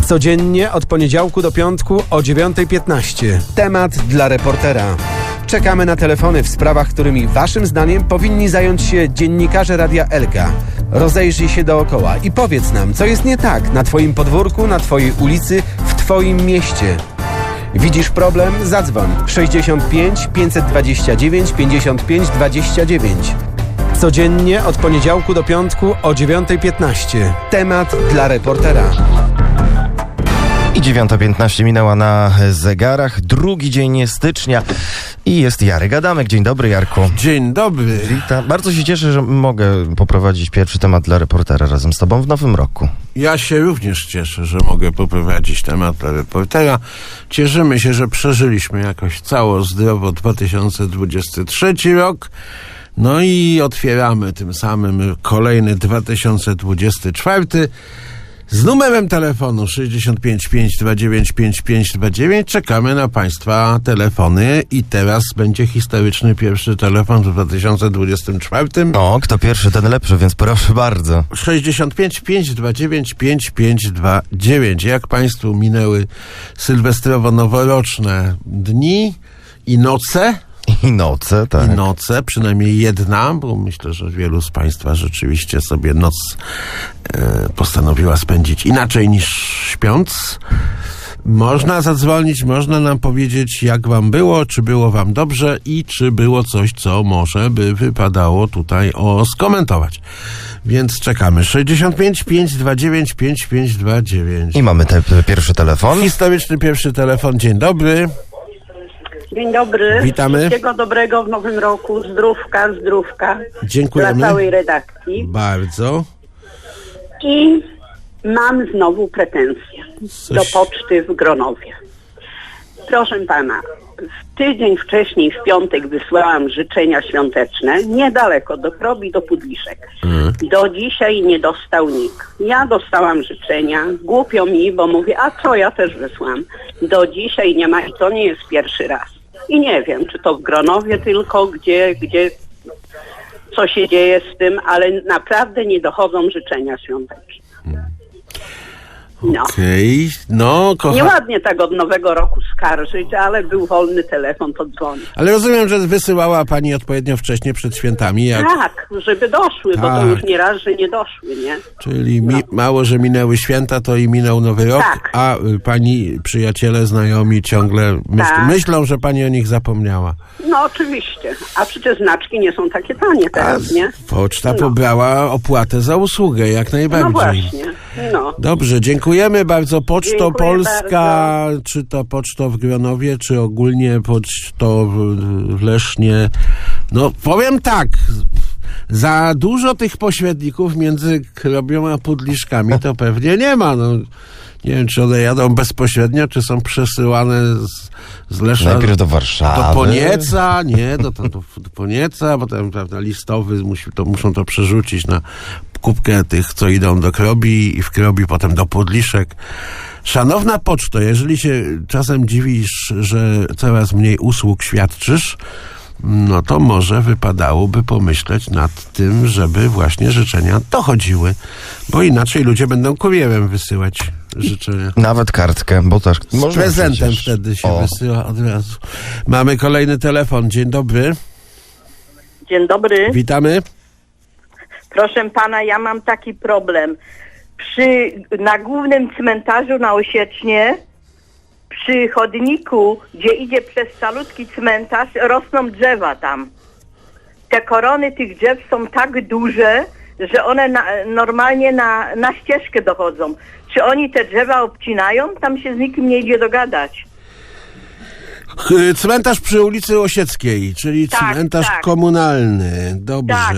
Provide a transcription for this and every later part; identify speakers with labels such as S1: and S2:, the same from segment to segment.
S1: Codziennie od poniedziałku do piątku o 9:15. Temat dla reportera. Czekamy na telefony w sprawach, którymi waszym zdaniem powinni zająć się dziennikarze Radia Elka. Rozejrzyj się dookoła i powiedz nam, co jest nie tak na twoim podwórku, na twojej ulicy, w twoim mieście. Widzisz problem? Zadzwoń 65 529 55 29. Codziennie od poniedziałku do piątku o 9:15. Temat dla reportera.
S2: I 9:15 minęła na zegarach. Drugi dzień stycznia i jest Jarek Adamek. Dzień dobry, Jarku.
S3: Dzień dobry.
S2: Witam. Bardzo się cieszę, że mogę poprowadzić pierwszy temat dla reportera razem z tobą w nowym roku.
S3: Ja się również cieszę, że mogę poprowadzić temat dla reportera. Cieszymy się, że przeżyliśmy jakoś cało zdrowo 2023 rok. No i otwieramy tym samym kolejny 2024 z numerem telefonu 65 529 5529. Czekamy na państwa telefony i teraz będzie historyczny pierwszy telefon w 2024.
S2: O, kto pierwszy, ten lepszy, więc proszę bardzo.
S3: 65 529 5529. Jak państwu minęły sylwestrowo-noworoczne dni i noce?
S2: I noce, tak.
S3: I noce, przynajmniej jedna, bo myślę, że wielu z państwa rzeczywiście sobie noc postanowiła spędzić inaczej niż śpiąc. Można zadzwonić, można nam powiedzieć, jak wam było, czy było wam dobrze i czy było coś, co może by wypadało tutaj skomentować. Więc czekamy. 65 529 5529.
S2: I mamy pierwszy telefon.
S3: Historyczny pierwszy telefon. Dzień dobry.
S4: Dzień dobry.
S3: Witamy.
S4: Wszystkiego dobrego w nowym roku. Zdrówka.
S3: Dziękujemy.
S4: Dla całej redakcji.
S3: Bardzo.
S4: I mam znowu pretensje do poczty w Gronowie. Proszę pana, w tydzień wcześniej, w piątek, wysłałam życzenia świąteczne niedaleko do Krobi, do Pudliszek. Do dzisiaj nie dostał nikt. Ja dostałam życzenia. Głupio mi, bo mówię, a co, ja też wysłałam. Do dzisiaj nie ma i to nie jest pierwszy raz. I nie wiem, czy to w Gronowie tylko, gdzie co się dzieje z tym, ale naprawdę nie dochodzą życzenia świąteczne. No.
S3: Okej, no
S4: Nieładnie tak od nowego roku skarżyć, ale był wolny telefon, to dzwoni.
S3: Ale rozumiem, że wysyłała pani odpowiednio wcześnie przed świętami.
S4: Tak, żeby doszły, bo to już nie raz, że nie doszły, nie?
S3: Czyli mało, że minęły święta, to i minął nowy rok,
S4: Tak.
S3: a pani przyjaciele, znajomi ciągle myślą, że pani o nich zapomniała.
S4: No oczywiście, a przecież znaczki nie są takie tanie teraz, nie?
S3: Poczta pobrała opłatę za usługę, jak najbardziej.
S4: No właśnie, no.
S3: Dobrze, dziękujemy bardzo. Poczto
S4: Dziękuję
S3: Polska,
S4: bardzo.
S3: czy to poczto w Gronowie, czy ogólnie poczto w Lesznie. No powiem tak, za dużo tych pośredników między Krobią a Pudliszkami to pewnie nie ma. No, nie wiem, czy one jadą bezpośrednio, czy są przesyłane z Lesza
S2: Najpierw do Warszawy.
S3: do Ponieca, nie, do Ponieca, potem prawda, listowy muszą to przerzucić na kubkę tych, co idą do Krobi i w Krobi potem do Pudliszek. Szanowna poczto, jeżeli się czasem dziwisz, że coraz mniej usług świadczysz, no to może wypadałoby pomyśleć nad tym, żeby właśnie życzenia dochodziły, bo inaczej ludzie będą kurierem wysyłać życzenia.
S2: Nawet kartkę, bo też
S3: Z prezentem wtedy się wysyła od razu. Mamy kolejny telefon. Dzień dobry.
S5: Dzień dobry.
S3: Witamy.
S5: Proszę pana, ja mam taki problem. Na głównym cmentarzu na Osiecznie, przy chodniku, gdzie idzie przez calutki cmentarz, rosną drzewa tam. Te korony tych drzew są tak duże, że one normalnie na ścieżkę dochodzą. Czy oni te drzewa obcinają? Tam się z nikim nie idzie dogadać.
S3: Cmentarz przy ulicy Osieckiej, czyli cmentarz komunalny. Dobrze.
S5: Tak.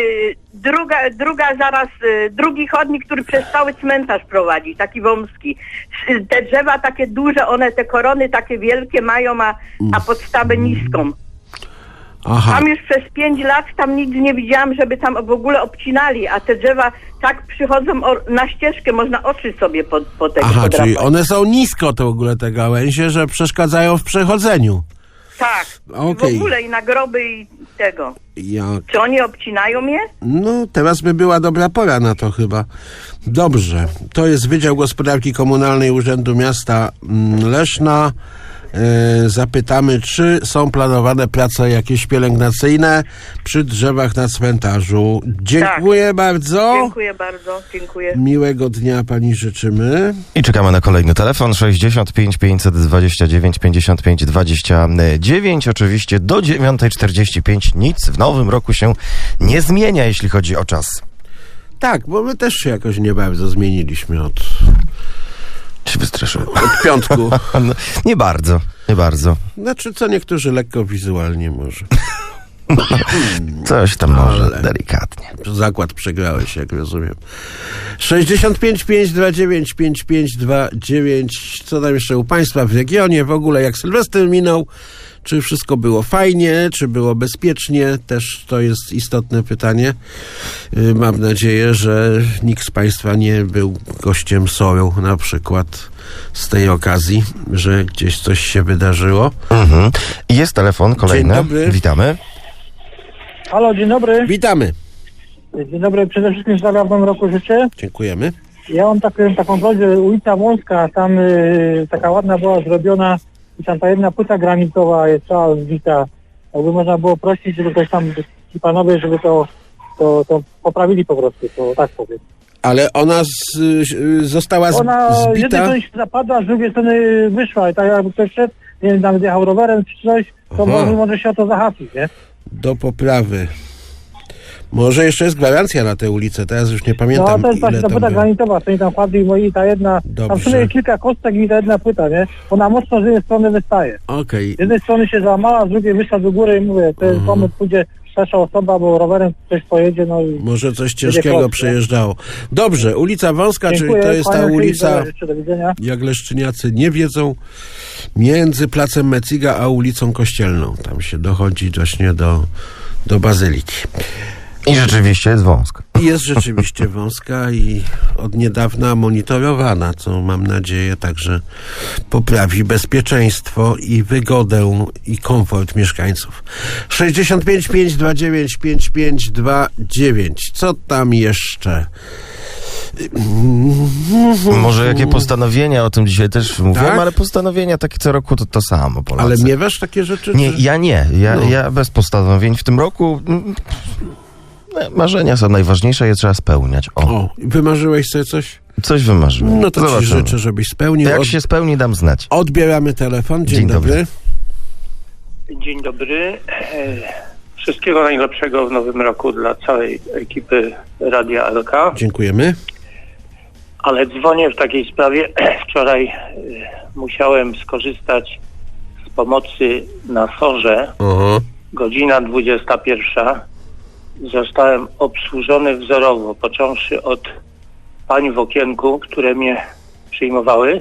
S5: Drugi chodnik, który przez cały cmentarz prowadzi, taki wąski. Te drzewa takie duże, one te korony takie wielkie mają, a podstawę niską.
S3: Aha.
S5: Tam już przez 5 lat tam nigdy nie widziałam, żeby tam w ogóle obcinali, a te drzewa tak przychodzą na ścieżkę, można oczy sobie po tego podrapać.
S3: Czyli one są nisko to w ogóle te gałęzie, że przeszkadzają w przechodzeniu.
S5: Tak.
S3: Okej.
S5: W ogóle i na groby i tego.
S3: Jak?
S5: Czy oni obcinają je?
S3: No, teraz by była dobra pora na to chyba. Dobrze. To jest Wydział Gospodarki Komunalnej Urzędu Miasta Leszna. Zapytamy, czy są planowane prace jakieś pielęgnacyjne przy drzewach na cmentarzu. Dziękuję bardzo.
S5: Dziękuję bardzo, dziękuję.
S3: Miłego dnia pani życzymy.
S2: I czekamy na kolejny telefon 65 529 55 29. Oczywiście do 9:45 nic w nowym roku się nie zmienia, jeśli chodzi o czas.
S3: Tak, bo my też się jakoś nie bardzo zmieniliśmy od
S2: Się wystraszyłem.
S3: piątku.
S2: No, nie bardzo.
S3: Znaczy, co niektórzy lekko wizualnie może.
S2: Coś tam może,
S3: Ale-
S2: delikatnie.
S3: Zakład przegrałeś, jak rozumiem. 65 529 5529. Co tam jeszcze u państwa w regionie? W ogóle jak Sylwester minął? Czy wszystko było fajnie? Czy było bezpiecznie? Też to jest istotne pytanie. Mam nadzieję, że nikt z państwa nie był gościem SOR-u na przykład z tej okazji, że gdzieś coś się wydarzyło.
S2: Mhm. I jest telefon kolejny.
S3: Dzień dobry.
S2: Witamy.
S6: Halo, dzień dobry.
S3: Witamy.
S6: Dzień dobry, przede wszystkim zdrowia w nowym roku życzę.
S3: Dziękujemy.
S6: Ja mam taką prośbę, ulica Wąska, tam taka ładna była zrobiona i tam ta jedna płyta granitowa jest cała zbita. Jakby można było prosić, żeby ktoś tam, ci panowie, żeby to poprawili po prostu, to tak powiem.
S3: Ale ona została
S6: Ona z jednej
S3: zbita.
S6: strony się zapadła, z drugiej strony wyszła i tak jakby ktoś szedł, nie wiem, nawet jechał rowerem czy coś, to
S3: Aha.
S6: może się o to zahaczyć, nie?
S3: Do poprawy. Może jeszcze jest gwarancja na tę ulicę, teraz już nie
S6: No
S3: pamiętam,
S6: to jest
S3: ile
S6: właśnie ta
S3: tam
S6: płyta
S3: było.
S6: granitowa, stoi tam kwadry i ta jedna, tam w sumie
S3: Dobrze.
S6: kilka kostek i ta jedna płyta, nie? Ona mocno z jednej strony wystaje.
S3: Okej.
S6: Z jednej strony się załamała, z drugiej wyszła do góry i mówię, to jest pomysł, pójdzie starsza osoba, bo rowerem ktoś pojedzie, no i...
S3: Może coś
S6: Będzie
S3: ciężkiego
S6: kostkę.
S3: przejeżdżało. Dobrze, ulica Wąska,
S6: Dziękuję,
S3: czyli to jest ta
S6: kłaniam się i
S3: ulica,
S6: życzę, do widzenia.
S3: jak leszczyniacy nie wiedzą, między placem Meciga a ulicą Kościelną. Tam się dochodzi właśnie do Bazyliki.
S2: I rzeczywiście jest wąsko.
S3: I jest rzeczywiście wąska i od niedawna monitorowana, co mam nadzieję także poprawi bezpieczeństwo i wygodę i komfort mieszkańców. 65 529 5529. Co tam jeszcze?
S2: Może jakie postanowienia, o tym dzisiaj też mówiłem,
S3: Tak?
S2: ale postanowienia takie co roku to samo, Polacy.
S3: Ale miewasz takie rzeczy?
S2: Nie,
S3: czy-
S2: ja nie.
S3: No.
S2: Ja bez postanowień w tym roku. Marzenia są najważniejsze, je trzeba spełniać.
S3: O, wymarzyłeś sobie coś?
S2: Coś wymarzyłem.
S3: No to ci
S2: Zobaczymy.
S3: życzę, żebyś spełnił.
S2: Jak się spełni, dam znać.
S3: Odbieramy telefon. Dzień,
S2: Dzień
S3: dobry.
S2: dobry.
S7: Dzień dobry. Wszystkiego najlepszego w nowym roku dla całej ekipy Radia LK.
S3: Dziękujemy.
S7: Ale dzwonię w takiej sprawie. Wczoraj musiałem skorzystać z pomocy na SOR-ze.
S3: Aha.
S7: Godzina 21. Zostałem obsłużony wzorowo, począwszy od pań w okienku, które mnie przyjmowały.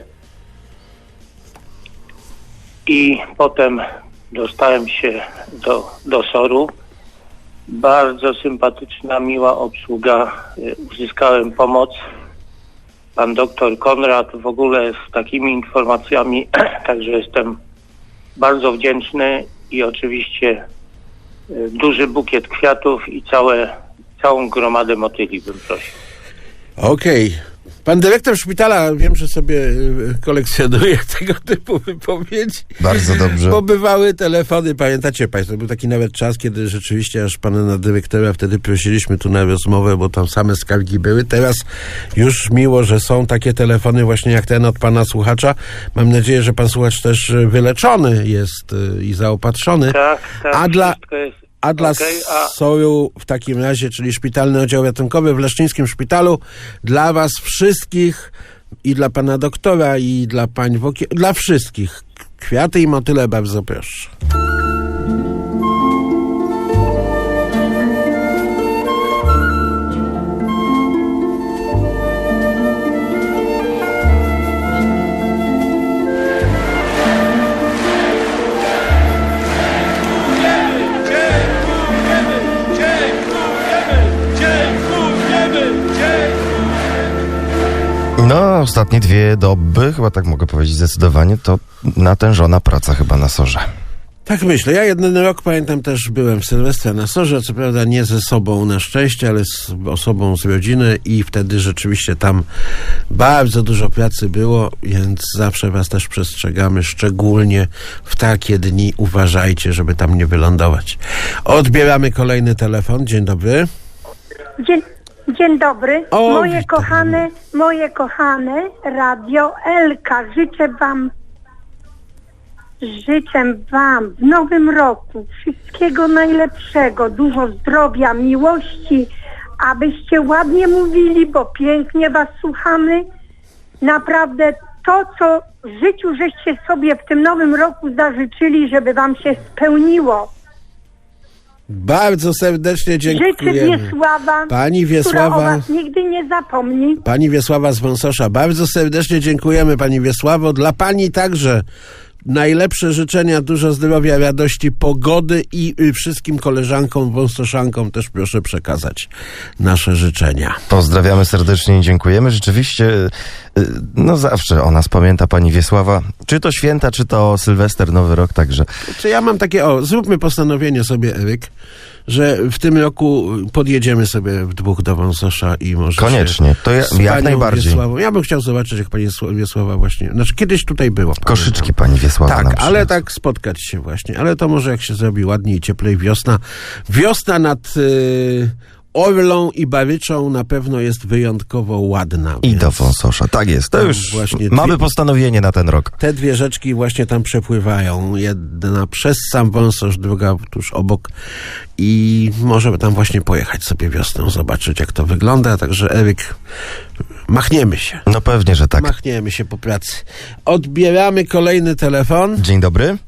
S7: I potem dostałem się do SOR-u. Bardzo sympatyczna, miła obsługa. Uzyskałem pomoc. Pan doktor Konrad w ogóle z takimi informacjami, także jestem bardzo wdzięczny i oczywiście duży bukiet kwiatów i całą gromadę motyli bym prosił.
S3: Okej. Pan dyrektor szpitala, wiem, że sobie kolekcjonuje tego typu wypowiedzi.
S2: Bardzo dobrze.
S3: Bo bywały telefony, pamiętacie państwo, był taki nawet czas, kiedy rzeczywiście aż pana dyrektora wtedy prosiliśmy tu na rozmowę, bo tam same skargi były. Teraz już miło, że są takie telefony właśnie jak ten od pana słuchacza. Mam nadzieję, że pan słuchacz też wyleczony jest i zaopatrzony.
S7: Tak, wszystko jest
S3: A dla
S7: okej,
S3: SOR-u w takim razie, czyli Szpitalny Oddział Ratunkowy w Leszczyńskim Szpitalu, dla was wszystkich i dla pana doktora i dla pań dla wszystkich kwiaty i motyle, bardzo proszę.
S2: No, ostatnie 2 doby, chyba tak mogę powiedzieć zdecydowanie, to natężona praca chyba na SOR-ze.
S3: Tak myślę. Ja jeden rok, pamiętam, też byłem w Sylwestra na Sorze, co prawda nie ze sobą na szczęście, ale z osobą z rodziny i wtedy rzeczywiście tam bardzo dużo pracy było, więc zawsze was też przestrzegamy, szczególnie w takie dni uważajcie, żeby tam nie wylądować. Odbieramy kolejny telefon. Dzień dobry.
S8: Dzień dobry.
S3: O,
S8: Moje kochane Radio Elka. Życzę wam w nowym roku wszystkiego najlepszego, dużo zdrowia, miłości, abyście ładnie mówili, bo pięknie was słuchamy. Naprawdę to, co w życiu żeście sobie w tym nowym roku zażyczyli, żeby wam się spełniło.
S3: Bardzo serdecznie dziękujemy.
S8: Życzę Wiesława,
S3: Pani Wiesława,
S8: która o was nigdy nie zapomni.
S3: Pani Wiesława z Wąsosza, bardzo serdecznie dziękujemy Pani Wiesławo. Dla Pani także najlepsze życzenia, dużo zdrowia, radości, pogody i wszystkim koleżankom, wąsoszankom też proszę przekazać nasze życzenia.
S2: Pozdrawiamy serdecznie i dziękujemy. Rzeczywiście, no zawsze o nas pamięta pani Wiesława. Czy to święta, czy to Sylwester, Nowy Rok, także.
S3: Czy ja mam takie, zróbmy postanowienie sobie, Eryk, że w tym roku podjedziemy sobie w dwóch do Wąsosza i może
S2: Koniecznie, to jak najbardziej.
S3: Wiesławą. Ja bym chciał zobaczyć, jak pani Wiesława właśnie, znaczy kiedyś tutaj była.
S2: Koszyczki pani Wiesława.
S3: Tak,
S2: nam
S3: ale
S2: przyniosła.
S3: tak spotkać się właśnie. Ale to może jak się zrobi ładniej, cieplej wiosna. Wiosna nad Orlą i Baryczą na pewno jest wyjątkowo ładna.
S2: I
S3: więc
S2: do Wąsosza, tak jest. To
S3: tam
S2: już
S3: właśnie
S2: mamy postanowienie na ten rok.
S3: te dwie rzeczki właśnie tam przepływają. Jedna przez sam Wąsosz, druga tuż obok. I możemy tam właśnie pojechać sobie wiosną, zobaczyć jak to wygląda. Także Eryk, machniemy się.
S2: No pewnie, że tak.
S3: Machniemy się po pracy. Odbieramy kolejny telefon.
S2: Dzień dobry.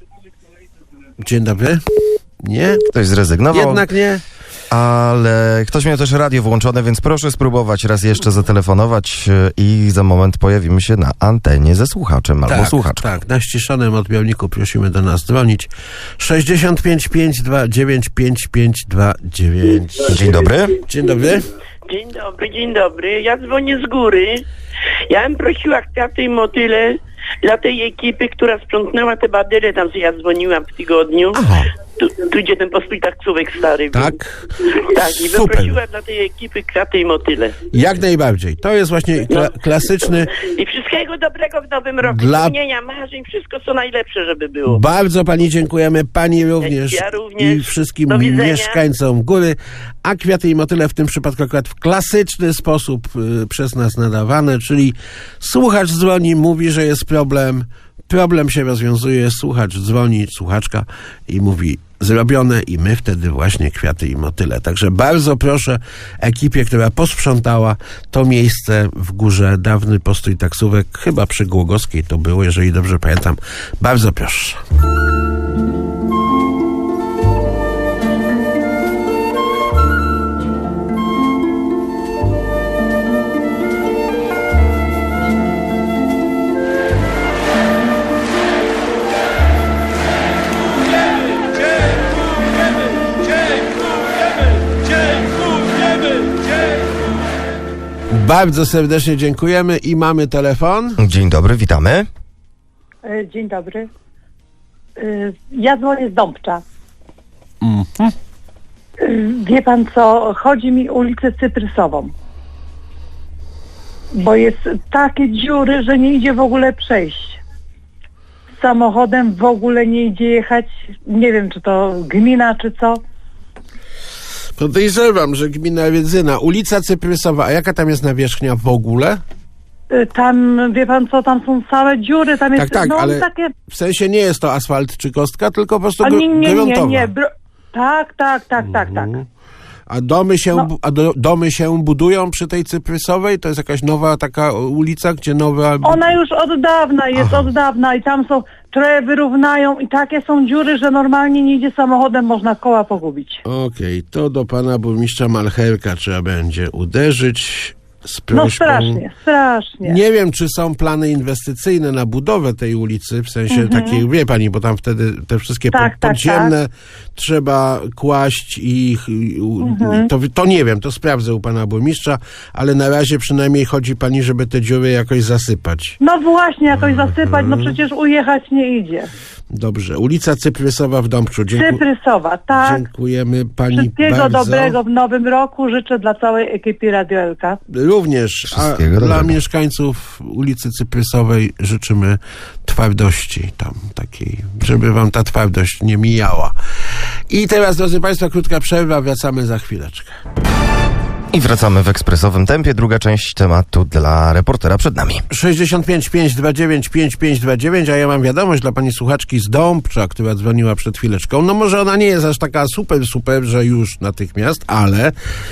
S3: Dzień dobry. Nie?
S2: Ktoś zrezygnował.
S3: Jednak nie?
S2: Ale ktoś miał też radio włączone, więc proszę spróbować raz jeszcze zatelefonować i za moment pojawimy się na antenie ze słuchaczem albo słuchaczką.
S3: Tak, na ściszonym odbiorniku prosimy do nas dzwonić. 65 529 5529.
S2: Dzień dobry.
S3: Dzień dobry.
S9: Dzień dobry. Ja dzwonię z góry. Ja bym prosiła kwiaty i motyle dla tej ekipy, która sprzątnęła te badyle, tam co ja dzwoniłam w tygodniu.
S3: Aha.
S9: Tu gdzie ten postój taksówek stary był.
S3: Tak.
S9: Tak, i bym
S3: Super.
S9: prosiła dla tej ekipy kwiaty i motyle.
S3: Jak najbardziej. To jest właśnie klasyczny.
S9: I wszystkiego dobrego w nowym roku.
S3: Dla-
S9: Spełnienia marzeń, wszystko co najlepsze, żeby było.
S3: Bardzo pani dziękujemy, pani również,
S9: Ja również.
S3: i wszystkim
S9: Do widzenia.
S3: mieszkańcom góry, a kwiaty i motyle w tym przypadku akurat w klasyczny sposób przez nas nadawane, czyli słuchacz dzwoni, mówi, że jest problem się rozwiązuje, słuchacz dzwoni, słuchaczka i mówi zrobione i my wtedy właśnie kwiaty i motyle. Także bardzo proszę ekipie, która posprzątała to miejsce w górze, dawny postój taksówek, chyba przy Głogowskiej to było, jeżeli dobrze pamiętam. Bardzo proszę. Bardzo serdecznie dziękujemy i mamy telefon.
S2: Dzień dobry, witamy.
S8: Dzień dobry. Ja dzwonię z Dąbcza. Wie pan co, chodzi mi o ulicę Cyprysową. Bo jest takie dziury, że nie idzie w ogóle przejść. Samochodem w ogóle nie idzie jechać. Nie wiem, czy to gmina, czy co.
S3: Podejrzewam, że gmina Rydzyna, ulica Cyprysowa, a jaka tam jest nawierzchnia w ogóle?
S8: Tam, wie pan co, tam są całe dziury, tam jest,
S3: Tak,
S8: no
S3: ale
S8: takie...
S3: w sensie nie jest to asfalt czy kostka, tylko po prostu
S8: A nie,
S3: gruntowa.
S8: Tak.
S3: A domy się budują przy tej Cyprysowej? To jest jakaś nowa taka ulica, gdzie nowa...
S8: Ona już od dawna jest, i tam są, trochę wyrównają i takie są dziury, że normalnie nie idzie samochodem, można koła pogubić.
S3: Okej, to do pana burmistrza Malcherka trzeba będzie uderzyć z prośbą.
S8: No strasznie.
S3: Nie wiem, czy są plany inwestycyjne na budowę tej ulicy, w sensie takiej, wie pani, bo tam wtedy te wszystkie podziemne trzeba kłaść i to nie wiem, to sprawdzę u pana burmistrza, ale na razie przynajmniej chodzi pani, żeby te dziury jakoś zasypać.
S8: No właśnie, jakoś zasypać, no przecież ujechać nie idzie.
S3: Dobrze. Ulica Cyprysowa w Dąbczu.
S10: Cyprysowa, tak.
S3: Dziękujemy pani
S10: Wszystkiego
S3: bardzo.
S10: dobrego w nowym roku życzę dla całej ekipy Radio Elka.
S3: Również. A
S2: Wszystkiego
S3: dla
S2: dobrego.
S3: mieszkańców ulicy Cyprysowej życzymy twardości tam takiej, żeby wam ta twardość nie mijała. I teraz, drodzy państwo, krótka przerwa. Wracamy za chwileczkę.
S2: I wracamy w ekspresowym tempie. Druga część tematu dla reportera przed nami.
S3: 65 529 5529, a ja mam wiadomość dla pani słuchaczki z Dąbcza, która dzwoniła przed chwileczką. No może ona nie jest aż taka super, że już natychmiast, ale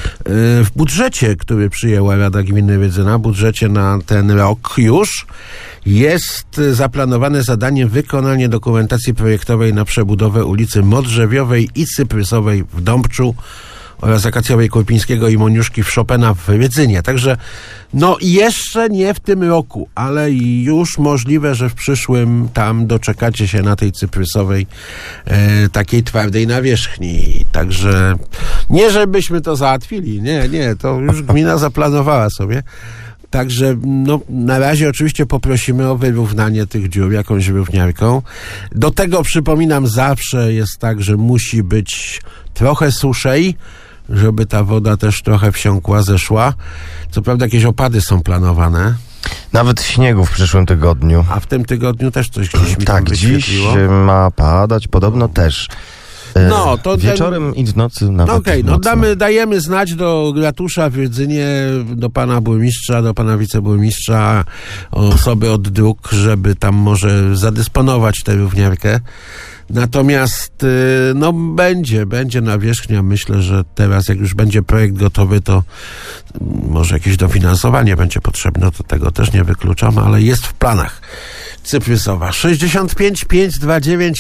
S3: w budżecie, który przyjęła Rada Gminy Rydzyna, budżecie na ten rok już jest zaplanowane zadanie wykonanie dokumentacji projektowej na przebudowę ulicy Modrzewiowej i Cyprysowej w Dąbczu oraz Akacjowej Kurpińskiego i Moniuszki w Chopina w Rydzynie. Także no jeszcze nie w tym roku, ale już możliwe, że w przyszłym tam doczekacie się na tej Cyprysowej takiej twardej nawierzchni. Także nie żebyśmy to załatwili, nie, to już gmina zaplanowała sobie. Także no, na razie oczywiście poprosimy o wyrównanie tych dziur jakąś równiarką. Do tego przypominam, zawsze jest tak, że musi być trochę suszej, żeby ta woda też trochę wsiąkła, zeszła. Co prawda jakieś opady są planowane.
S2: Nawet śniegu w przyszłym tygodniu.
S3: A w tym tygodniu też coś gdzieś mi tam
S2: Tak, dziś
S3: wyświetliło.
S2: ma padać, podobno też.
S3: No, to
S2: wieczorem i w nocy nawet.
S3: No okej,
S2: mocno.
S3: dajemy znać do ratusza w Rydzynie, do pana burmistrza, do pana wiceburmistrza, osoby od dróg, żeby tam może zadysponować tę równiarkę. Natomiast no będzie nawierzchnia. Myślę, że teraz jak już będzie projekt gotowy, to może jakieś dofinansowanie będzie potrzebne. To tego też nie wykluczam, ale jest w planach. Cyprysowa 65 529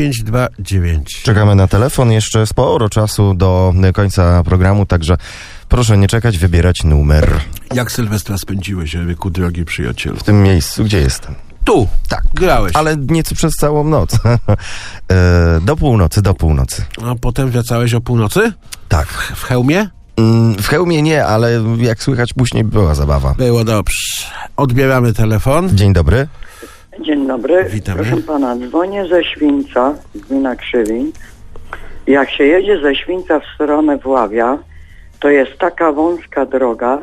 S3: 5529.
S2: Czekamy na telefon. Jeszcze sporo czasu do końca programu, także proszę nie czekać, wybierać numer.
S3: Jak Sylwestra spędziłeś, Eryku, drogi przyjacielu?
S2: W tym miejscu, gdzie jestem.
S3: Tu,
S2: Tak.
S3: grałeś.
S2: Ale nieco przez całą noc. Do północy.
S3: A potem wracałeś o północy?
S2: Tak.
S3: W hełmie?
S2: W hełmie nie, ale jak słychać później była zabawa.
S3: Było dobrze. Odbieramy telefon.
S2: Dzień dobry.
S11: Dzień dobry.
S3: Witamy.
S11: Proszę pana, dzwonię ze Świńca, gmina Krzywin. Jak się jedzie ze Świńca w stronę Wławia, to jest taka wąska droga.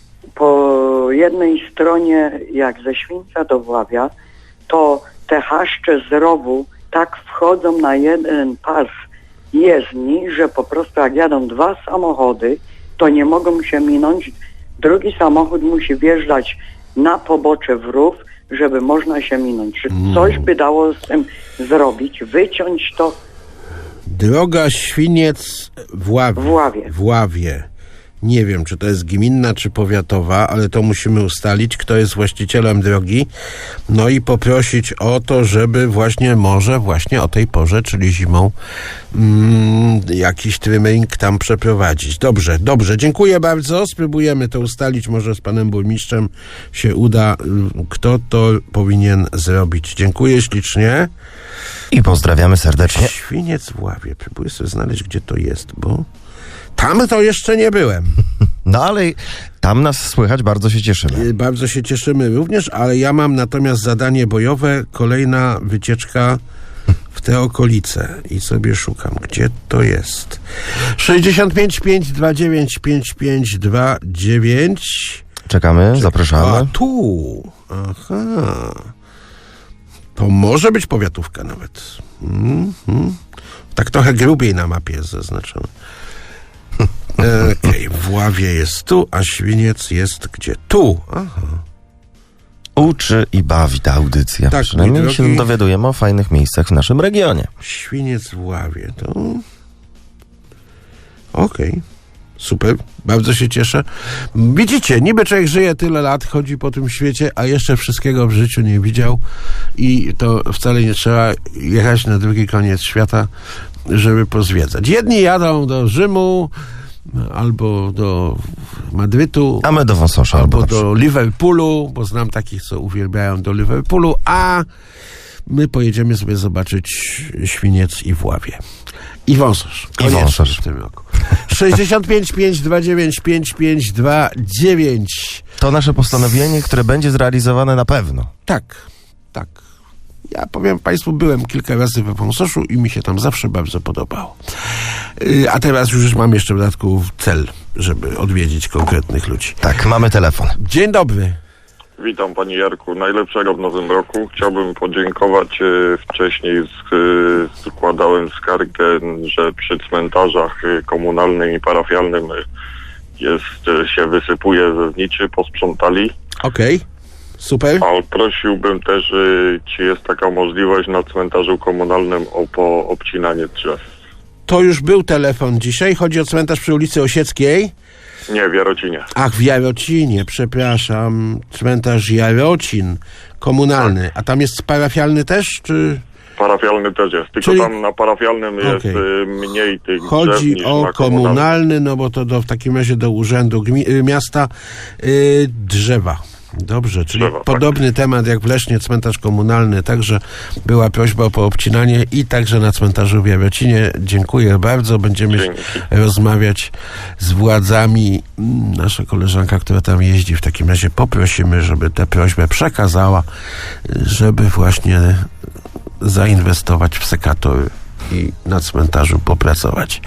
S11: Po jednej stronie, jak ze Świńca do Wławia, to te chaszcze z rowu tak wchodzą na jeden pas jezdni, że po prostu jak jadą dwa samochody, to nie mogą się minąć. Drugi samochód musi wjeżdżać na pobocze w rów, żeby można się minąć. Czy coś by dało z tym zrobić? Wyciąć to?
S3: Droga Świniec w Ławie. Nie wiem, czy to jest gminna, czy powiatowa, ale to musimy ustalić, kto jest właścicielem drogi. No i poprosić o to, żeby może właśnie o tej porze, czyli zimą, jakiś trimming tam przeprowadzić. Dobrze, dziękuję bardzo. Spróbujemy to ustalić, może z panem burmistrzem się uda, kto to powinien zrobić. Dziękuję ślicznie.
S2: I pozdrawiamy serdecznie.
S3: Świniec w Ławie. Próbuję sobie znaleźć, gdzie to jest, bo tam to jeszcze nie byłem.
S2: No ale tam nas słychać, bardzo się cieszymy.
S3: Bardzo się cieszymy również, ale ja mam natomiast zadanie bojowe, kolejna wycieczka w te okolice i sobie szukam, gdzie to jest. 65 529 5529.
S2: Czekamy, zapraszamy.
S3: A tu. Aha. To może być powiatówka nawet. Tak trochę grubiej na mapie jest zaznaczone. Okej, w Ławie jest tu, a Świniec jest gdzie? Tu. Aha.
S2: Uczy i bawi ta audycja.
S3: Tak,
S2: przynajmniej
S3: mój
S2: się
S3: drogi.
S2: dowiadujemy o fajnych miejscach w naszym regionie.
S3: Świniec w Ławie, to... Okej. Super, bardzo się cieszę. Widzicie, niby człowiek żyje tyle lat, chodzi po tym świecie, a jeszcze wszystkiego w życiu nie widział i to wcale nie trzeba jechać na drugi koniec świata, żeby pozwiedzać. Jedni jadą do Rzymu, albo do Madrytu,
S2: A my do Wąsosza
S3: albo do Liverpoolu, bo znam takich, co uwielbiają do Liverpoolu, a my pojedziemy sobie zobaczyć Świniec i Wławie. I Wąsosz. Koniecznie w tym roku. 65 529 5529.
S2: To nasze postanowienie, które będzie zrealizowane na pewno.
S3: Tak. Ja powiem Państwu, byłem kilka razy we Wąsoszu i mi się tam zawsze bardzo podobało. A teraz już mam jeszcze w dodatku cel, żeby odwiedzić konkretnych ludzi.
S2: Tak, mamy telefon.
S3: Dzień dobry.
S12: Witam Panie Jarku, najlepszego w nowym roku. Chciałbym podziękować. Wcześniej składałem skargę, że przy cmentarzach komunalnym i parafialnym się wysypuje ze zniczy, posprzątali.
S3: Okej. Super.
S12: A prosiłbym też, czy jest taka możliwość na cmentarzu komunalnym o obcinanie drzew.
S3: To już był telefon dzisiaj. Chodzi o cmentarz przy ulicy Osieckiej.
S12: Nie, w Jarocinie.
S3: Ach, w Jarocinie, przepraszam. Cmentarz Jarocin komunalny. A tam jest parafialny też, czy...
S12: Parafialny też jest, tylko
S3: Czyli...
S12: tam na parafialnym jest mniej tych drzew
S3: Chodzi
S12: niż
S3: o
S12: na
S3: komunalny, no bo to w takim razie do urzędu miasta drzewa. Dobrze, czyli
S12: drzewa,
S3: podobny temat jak w Lesznie, cmentarz komunalny. Także była prośba o poobcinanie i także na cmentarzu w Jarocinie. Dziękuję bardzo. Będziemy rozmawiać z władzami. Nasza koleżanka, która tam jeździ, w takim razie poprosimy, żeby tę prośbę przekazała, żeby właśnie zainwestować w sekatory i na cmentarzu popracować.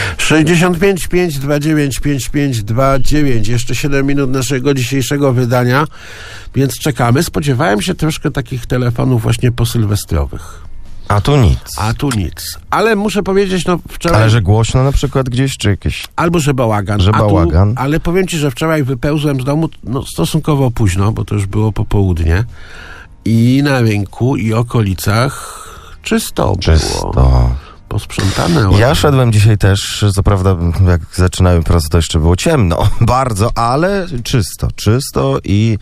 S3: 65 529 5529. Jeszcze 7 minut naszego dzisiejszego wydania, więc czekamy. Spodziewałem się troszkę takich telefonów właśnie posylwestrowych.
S2: A tu nic.
S3: A tu nic. Ale muszę powiedzieć, no wczoraj...
S2: Ale że głośno na przykład gdzieś, czy jakieś...
S3: Albo że bałagan.
S2: Że bałagan.
S3: Ale powiem ci, że wczoraj wypełzłem z domu stosunkowo późno, bo to już było popołudnie. I na rynku i okolicach czysto było. Posprzątane.
S2: Ja szedłem dzisiaj też, co prawda jak zaczynałem pracę, to jeszcze było ciemno, bardzo, ale czysto i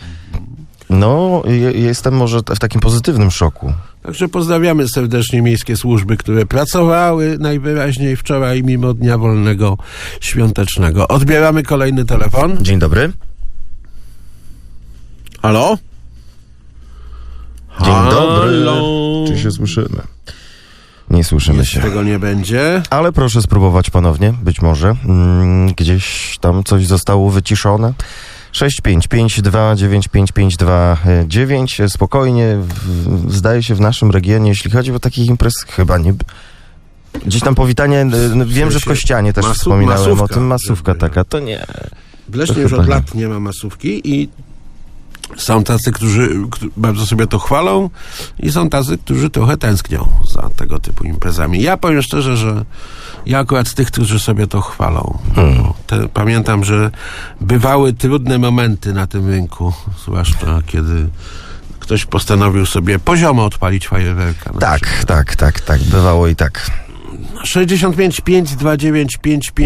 S2: no jestem może w takim pozytywnym szoku.
S3: Także pozdrawiamy serdecznie miejskie służby, które pracowały najwyraźniej wczoraj mimo dnia wolnego świątecznego. Odbieramy kolejny telefon.
S2: Dzień dobry.
S3: Halo?
S2: Dzień dobry. Czy się słyszymy? Nie słyszymy się.
S3: Tego nie będzie.
S2: Ale proszę spróbować ponownie, być może. Gdzieś tam coś zostało wyciszone. 655295529. Spokojnie, zdaje się w naszym regionie, jeśli chodzi o takich imprez, chyba nie... Gdzieś tam powitanie, wiem, że w Kościanie też wspominałem o tym, masówka taka, to nie.
S3: W Lesznie już od lat nie ma masówki i są tacy, którzy bardzo sobie to chwalą i są tacy, którzy trochę tęsknią za tego typu imprezami. Ja powiem szczerze, że ja akurat z tych, którzy sobie to chwalą. Pamiętam, że bywały trudne momenty na tym rynku, zwłaszcza kiedy ktoś postanowił sobie poziomo odpalić fajerwerka.
S2: Tak, bywało i tak.
S3: 65 529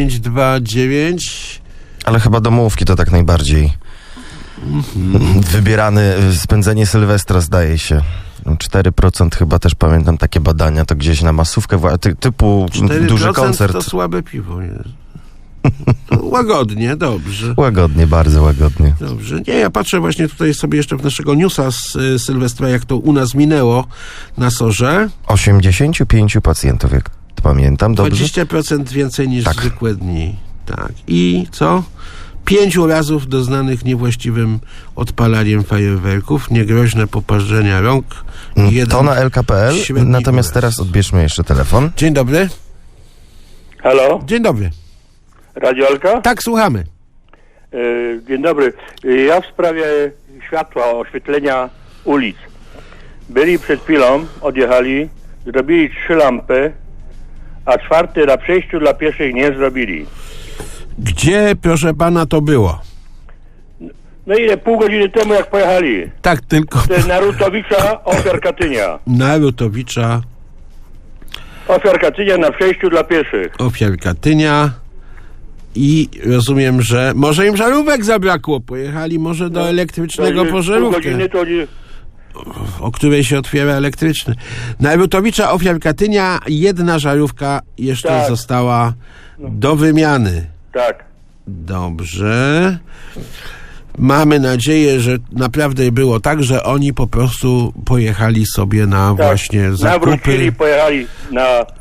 S3: 5529.
S2: Ale chyba domówki to tak najbardziej wybierany, spędzenie Sylwestra zdaje się. 4% chyba też pamiętam takie badania, to gdzieś na masówkę typu duży koncert.
S3: To słabe piwo jest. Łagodnie, dobrze.
S2: Łagodnie, bardzo łagodnie.
S3: Dobrze. Nie, ja patrzę właśnie tutaj sobie jeszcze w naszego newsa z Sylwestra, jak to u nas minęło na SOR-ze.
S2: 85 pacjentów, jak pamiętam, dobrze?
S3: 20% więcej niż zwykłe dni. Tak. I co? 5 urazów doznanych niewłaściwym odpalaniem fajerwerków, niegroźne poparzenia rąk.
S2: To na LKPL, natomiast teraz odbierzmy jeszcze telefon.
S3: Dzień dobry.
S13: Halo?
S3: Dzień dobry.
S13: Radio Elka?
S3: Tak, słuchamy.
S13: Dzień dobry. Ja w sprawie światła, oświetlenia ulic. Byli przed chwilą, odjechali, zrobili 3 lampy, a 4 na przejściu dla pieszych nie zrobili.
S3: Gdzie, proszę pana, to było?
S13: No ile? Pół godziny temu, jak pojechali.
S3: Tak, tylko...
S13: To jest Narutowicza, ofiar Katynia.
S3: Narutowicza.
S13: Ofiar Katynia na przejściu dla pieszych.
S3: Ofiar Katynia. I rozumiem, że może im żarówek zabrakło. Pojechali może do elektrycznego po żarówkę. O której się otwiera elektryczny. Narutowicza, ofiar Katynia, 1 żarówka jeszcze została do wymiany.
S13: Tak.
S3: Dobrze. Mamy nadzieję, że naprawdę było tak, że oni po prostu pojechali sobie na właśnie zakupy.
S13: Nawrócili, pojechali na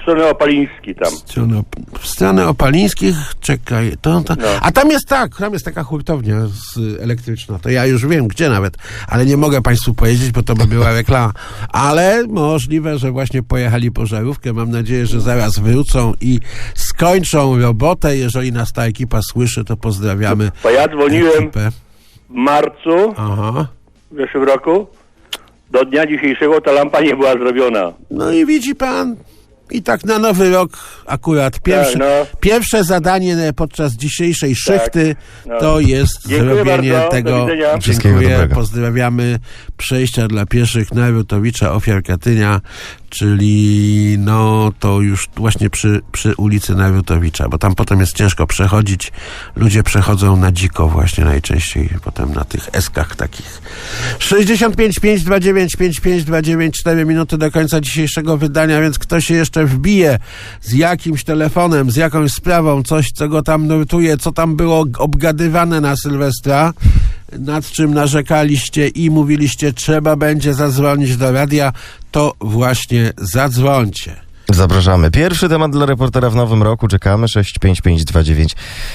S13: w stronę Opaliński tam.
S3: W stronę Opalińskich, czekaj, to.
S13: No.
S3: A tam jest taka hurtownia elektryczna, to ja już wiem gdzie nawet, ale nie mogę państwu powiedzieć, bo to by była reklama. Ale możliwe, że właśnie pojechali po żarówkę, mam nadzieję, że zaraz wrócą i skończą robotę. Jeżeli nas ta ekipa słyszy, to pozdrawiamy.
S13: Bo ja dzwoniłem
S3: ekipę.
S13: w marcu w zeszłym roku. Do dnia dzisiejszego ta lampa nie była zrobiona.
S3: No i widzi pan, i tak na nowy rok akurat pierwsze zadanie podczas dzisiejszej szychty to jest zrobienie
S13: bardzo,
S3: tego. Dziękuję, pozdrawiamy przejścia dla pieszych Narutowicza, ofiar Katynia, czyli to już właśnie przy ulicy Narutowicza, bo tam potem jest ciężko przechodzić. Ludzie przechodzą na dziko właśnie najczęściej, potem na tych eskach takich. 65 529 5529, 4 minuty do końca dzisiejszego wydania, więc kto się jeszcze wbije z jakimś telefonem, z jakąś sprawą, coś, co go tam nurtuje, co tam było obgadywane na Sylwestra, nad czym narzekaliście i mówiliście, trzeba będzie zadzwonić do radia, to właśnie zadzwońcie.
S2: Zapraszamy. Pierwszy temat dla reportera w nowym roku. Czekamy. 65529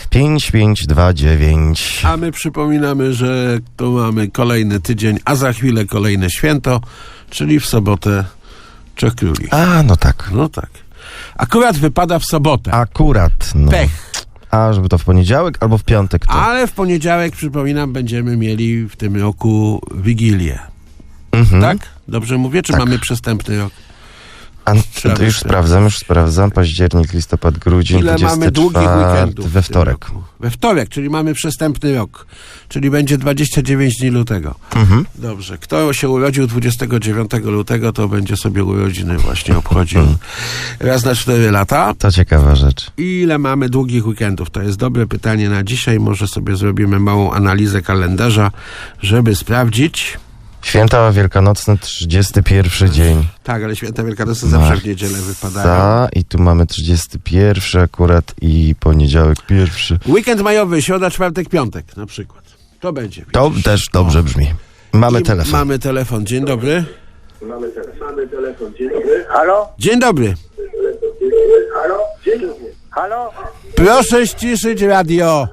S2: 5529.
S3: A my przypominamy, że tu mamy kolejny tydzień, a za chwilę kolejne święto, czyli w sobotę Trzech Króli.
S2: No tak.
S3: No tak. Akurat wypada w sobotę.
S2: Akurat.
S3: Pech.
S2: A żeby to w poniedziałek albo w piątek? To...
S3: Ale w poniedziałek, przypominam, będziemy mieli w tym roku Wigilię. Tak? Dobrze mówię? Czy mamy przestępny rok?
S2: To już sprawdzam. Październik, listopad, grudzień,
S3: ile
S2: 24
S3: mamy długich weekendów
S2: we wtorek.
S3: We wtorek, czyli mamy przestępny rok. Czyli będzie 29 dni lutego. Dobrze. Kto się urodził 29 lutego, to będzie sobie urodziny właśnie obchodził raz na 4 lata.
S2: To ciekawa rzecz.
S3: Ile mamy długich weekendów? To jest dobre pytanie na dzisiaj. Może sobie zrobimy małą analizę kalendarza, żeby sprawdzić.
S2: Święta Wielkanocne, 31 dzień.
S3: Tak, ale Święta Wielkanocne zawsze w niedzielę wypadają.
S2: I tu mamy 31 akurat i poniedziałek 1.
S3: Weekend majowy, środa, czwartek, piątek na przykład. To będzie.
S2: To też dobrze brzmi. Mamy telefon.
S3: Mamy telefon. Dzień dobry.
S14: Mamy telefon. Dzień dobry. Halo?
S3: Dzień dobry.
S14: Halo? Dzień dobry. Halo?
S3: Proszę ściszyć radio.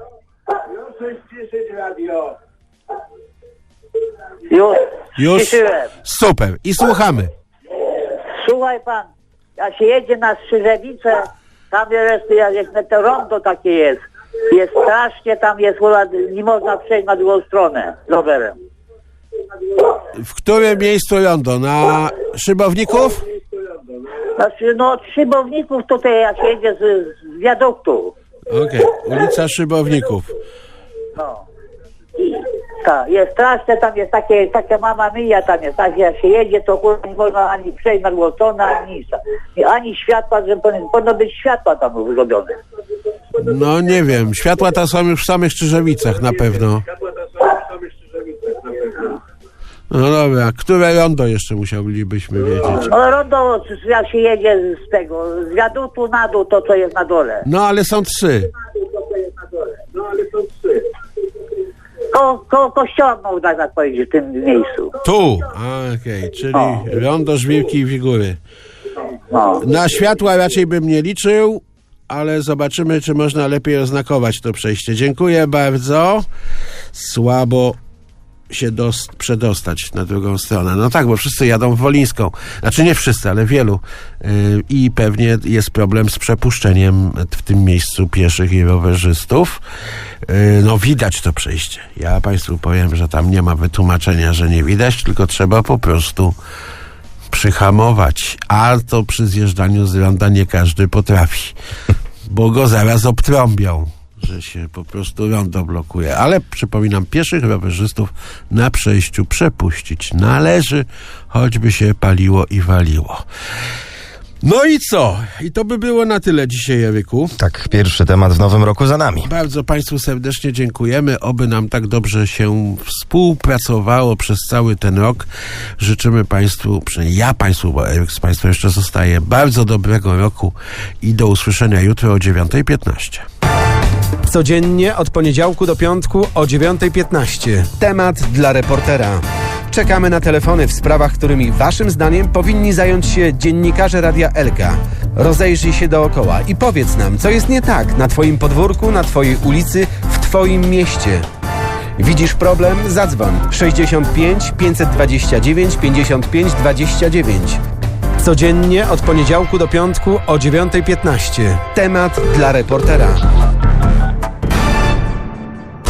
S3: Już?
S15: Ściszyłem.
S3: Super. I słuchamy.
S15: Słuchaj pan, jak się jedzie na Strzyżewicę, tam jest to rondo takie jest. Jest strasznie, tam jest, nie można przejść na drugą stronę rowerem.
S3: W którym miejscu rondo? Na Szybowników?
S15: Znaczy, od Szybowników tutaj, jak się jedzie z wiaduktu.
S3: Okej, ulica Szybowników.
S15: Tak, jest straszne, tam jest taka mama mija, tam jest, tak jak się jedzie, to nie można ani przejść na drugą stronę, ani nic. Ani światła, że powinno być światła tam zrobione.
S3: No nie wiem, światła te są już w samych Czyżewicach na pewno. No dobra, które rondo jeszcze musielibyśmy wiedzieć?
S15: No rondo, jak się jedzie z wiaduktu na dół, to co jest na dole.
S3: No ale są 3.
S15: Koło kościoła można tak powiedzieć w tym miejscu.
S3: Tu? Okej, czyli rondo Żwirki i Figury. Na światła raczej bym nie liczył, ale zobaczymy, czy można lepiej oznakować to przejście. Dziękuję bardzo. Słabo się przedostać na drugą stronę. No tak, bo wszyscy jadą w Wolińską. Znaczy nie wszyscy, ale wielu. I pewnie jest problem z przepuszczeniem w tym miejscu pieszych i rowerzystów. No widać to przejście. Ja państwu powiem, że tam nie ma wytłumaczenia, że nie widać, tylko trzeba po prostu przyhamować. A to przy zjeżdżaniu z ronda nie każdy potrafi, bo go zaraz obtrąbią, że się po prostu rondo blokuje. Ale przypominam, pieszych rowerzystów na przejściu przepuścić należy, choćby się paliło i waliło. No i co? I to by było na tyle dzisiaj, Eryku.
S2: Tak, pierwszy temat w nowym roku za nami.
S3: Bardzo państwu serdecznie dziękujemy. Oby nam tak dobrze się współpracowało przez cały ten rok. Życzymy państwu, przynajmniej ja państwu, bo Eryk z państwem jeszcze zostaje, bardzo dobrego roku i do usłyszenia jutro o 9:15.
S1: Codziennie od poniedziałku do piątku o 9:15. Temat dla reportera. Czekamy na telefony w sprawach, którymi waszym zdaniem powinni zająć się dziennikarze Radia Elka. Rozejrzyj się dookoła i powiedz nam, co jest nie tak na twoim podwórku, na twojej ulicy, w twoim mieście. Widzisz problem? Zadzwoń 65 529 55 29. Codziennie od poniedziałku do piątku o 9:15. Temat dla reportera.